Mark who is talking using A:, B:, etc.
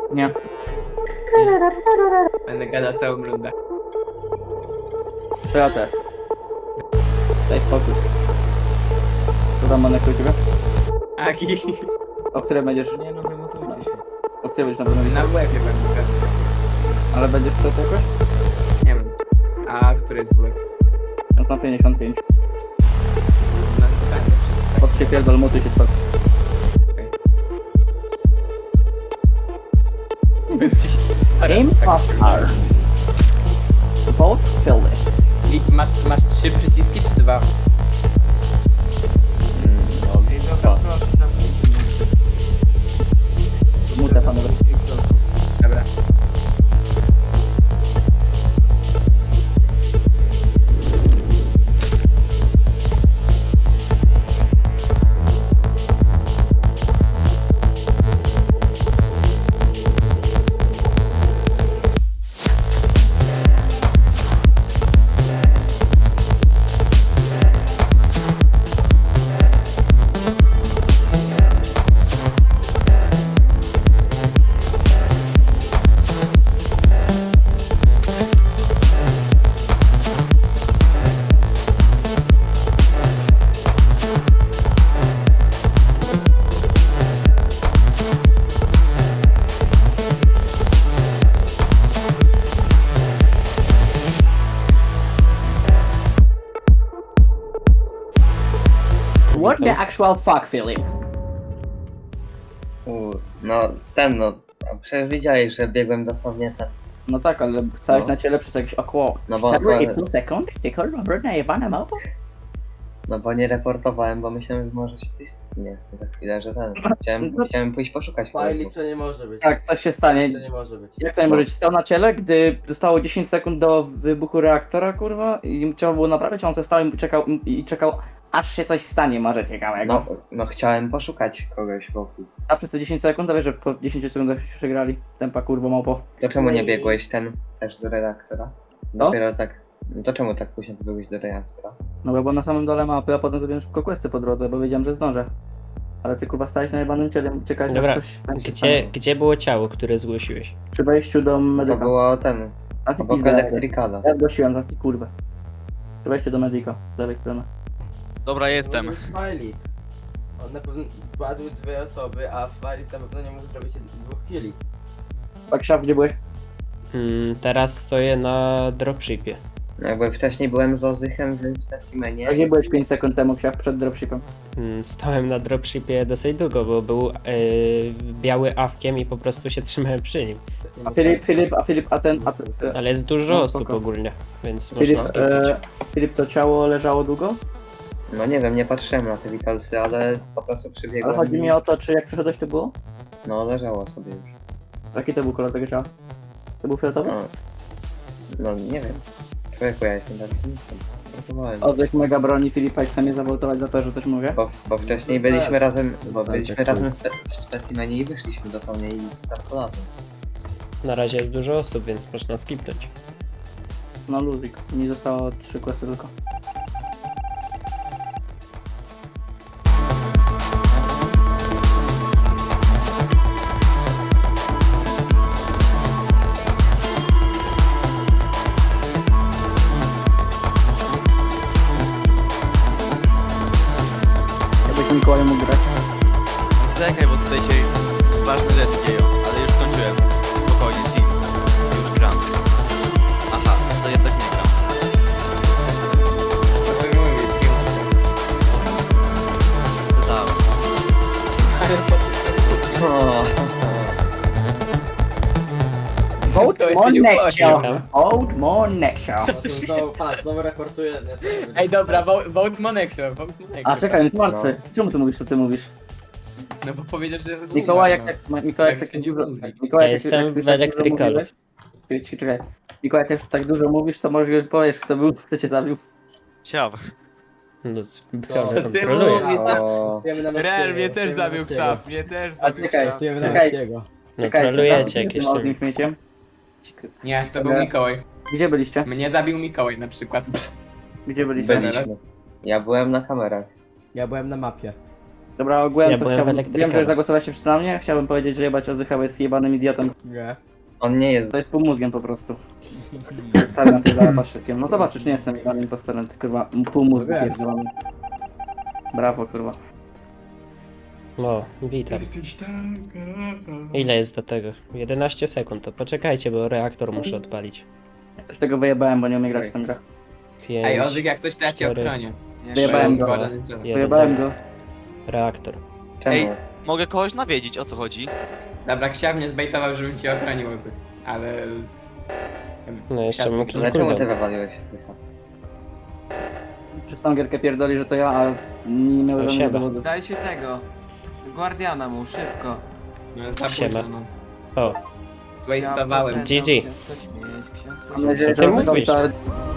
A: Nie.
B: Będę gadał całą rundę.
A: To ja też. Daj spokój. Co tam Monek u ciebie?
B: Aki.
A: O której będziesz...
C: Nie no, wymotujcie się.
A: O której będziesz na pewno
B: Na
A: wiedział?
B: WF-ie będę.
A: Ale będziesz to jakoś?
B: Nie wiem. A który jest WF?
A: Ja na 55.
B: Na pytanie.
A: Pod się pierdol, mutuj się spoko.
B: Jesteś...
A: Impostor. Vote filled.
B: I masz 3 przyciski czy 2?
A: Mutę panowie.
B: Dobra.
A: What the actual fuck, Philip?
D: No ten no, a przecież widziałeś, że biegłem dosłownie ten.
A: No tak, ale stałeś
D: No.
A: na ciele przez jakieś około
D: No bo-
A: 4,5 sekund? Ty kurwa brudna jebana małpa?
D: No bo nie reportowałem, bo myślałem, że może się coś stanie za chwilę, że ten. Chciałem pójść poszukać
C: Fajlik
D: kolegów.
C: to nie może być.
A: Tak, coś się stanie.
C: To nie może być.
A: Jak to nie może być? Stał na ciele, gdy zostało 10 sekund do wybuchu reaktora, kurwa, i trzeba było naprawić, a on sobie stał i czekał, aż się coś stanie może ciekawego.
D: No chciałem poszukać kogoś wokół.
A: A przez te 10 sekund, to wiesz, że po 10 sekundach się przegrali. Tempa kurwa małpo.
D: To czemu nie biegłeś ten też do redaktora?
A: No.
D: Dopiero tak. No to czemu tak późno pobiegłeś do redaktora?
A: No bo byłem na samym dole mapy, a potem zrobiłem szybko questy po drodze, bo wiedziałem, że zdążę. Ale ty kurwa stałeś na jebanym ciele, czekałeś
E: Dobra,
A: aż coś będzie się
E: Gdzie było ciało, które zgłosiłeś?
A: przy wejściu do
D: To
A: medyka.
D: było ten.
A: Taki
D: Obok
A: pizda,
D: elektrykala.
A: Ja zgłosiłem taki kurwę. Przy wejściu do medyka, z lewej strony.
F: Dobra, jestem.
C: To jest Fajlik. On na pewno padły 2 osoby, a Fajlik na pewno nie mógł zrobić 2 killi.
A: Tak, szaf, gdzie byłeś?
E: Teraz stoję na dropshipie.
D: No jakby wcześniej byłem z Ozychem w specimenie.
A: A gdzie byłeś 5 sekund temu, szaf, przed dropshipem?
E: Stałem na dropshipie dosyć długo, bo był biały awkiem i po prostu się trzymałem przy nim. Ale jest dużo
A: No,
E: osób
A: spoko.
E: ogólnie, więc
A: Filip,
E: można skipnąć.
A: Filip, to ciało leżało długo?
D: No nie wiem, nie patrzyłem na te witalsy, ale po prostu przybiegłem.
A: Ale chodzi mi o to, czy jak przyszedłeś to było?
D: No leżało sobie już.
A: Jaki to był kolor tego ciała? To był fioletowy?
D: No nie wiem. Człowieku, ja jestem taki niskim. Próbowałem.
A: Oddech mega broni Filipa i chce mnie zawoltować za to, że coś mówię.
D: Bo wcześniej
C: Zostałem.
D: byliśmy razem, bo
C: Zostałem,
D: byliśmy
C: tak
D: razem w specimenie i wyszliśmy dosłownie i tam po lasu.
E: Na razie jest dużo osób, więc można skipnąć.
A: No luzik, mi zostało 3 questy tylko. Jakbyś Mikołaj mógł grać.
F: Czekaj, bo tutaj się ważne rzeczy dzieją, ale już skończyłem. Spokojnie, chill. Już gram. Aha, to jednak nie gram.
D: Co ty mówisz?
F: Dodałem.
A: Vote
B: To
A: more
B: jesteś
A: next
B: upośledzony.
A: show. Vote more next show.
C: Znowu raportuję.
B: Ej, dobra, vote Moneksio, vote Moneksio.
A: A czekaj, jest martwy. Czemu ty mówisz, co ty mówisz?
B: No bo powiedział, że...
A: Mikołaj, jak tak, Mikołaj, jak
B: Jak
A: tak
B: się nie
A: dużo...
B: mówi.
A: Mikołaj,
E: Ja
A: jak
E: jestem
A: jak
E: w
A: tak dużo
E: elektrykalu.
A: mówiłeś- Czekaj. Mikołaj, jak już tak dużo mówisz, to może powiesz, kto był, kto cię zabił.
F: Ciao.
E: No,
C: Co
B: ty
E: kontroluję.
B: mówisz?
F: Real mnie też zabił psa, mnie też
A: A
F: zabił
A: czekaj,
F: psa.
A: czekaj.
E: No trolujecie jakieś
A: z
E: tam.
A: nim śmieciem.
B: Nie, to był Mikołaj.
A: Gdzie byliście?
B: Mnie zabił Mikołaj na przykład.
A: Gdzie byliście?
D: Byliśmy. Ja byłem na kamerach.
C: Ja byłem na mapie.
A: Dobra, ogółem
E: Ja
A: to
E: byłem w
A: chciałbym... Wiem,
E: elektrykalu.
A: że zagłosowaliście wszyscy na mnie. Chciałbym powiedzieć, że jebać Ozychał jest jebanym idiotą.
B: Nie.
D: On nie jest.
A: To jest półmózgiem po prostu. Cały na tyle paszykiem. No zobaczysz, nie jestem jebanym impostorem, tylko kurwa półmózgu
B: Wiem.
A: pierdolony. Brawo, kurwa.
E: No, witam. Ile jest do tego? 11 sekund, to poczekajcie, bo reaktor muszę odpalić.
A: Coś tego wyjebałem, bo nie umiem grać w tę grę.
E: 5,
B: Ej, Ozyk, jak coś to ja cię
E: 4.
B: ochronię.
A: Wyjebałem go.
B: Składany dzień.
E: 1,
A: Wyjebałem go.
E: reaktor.
D: Czemu?
F: Ej. Mogę kogoś nawiedzić, o co chodzi?
B: Dobra, Ksiał mnie zbejtował, żebym cię ochronił, Ozyk. Ale...
E: No jeszcze mam
D: Ale czemu ty
E: kilku.
D: wywaliłeś Ozycha?
A: Przez tą gierkę pierdoli, że to ja, a nie miałem
E: No,
A: żadnego
E: siema.
A: dowodu.
G: Dajcie tego. Guardiana mu, szybko.
B: No, za
E: Siema.
B: późno,
E: O,
B: no. Zwastowałem.
E: GG.
A: Mam nadzieję,
E: Co
A: że
E: ty mówisz?
A: to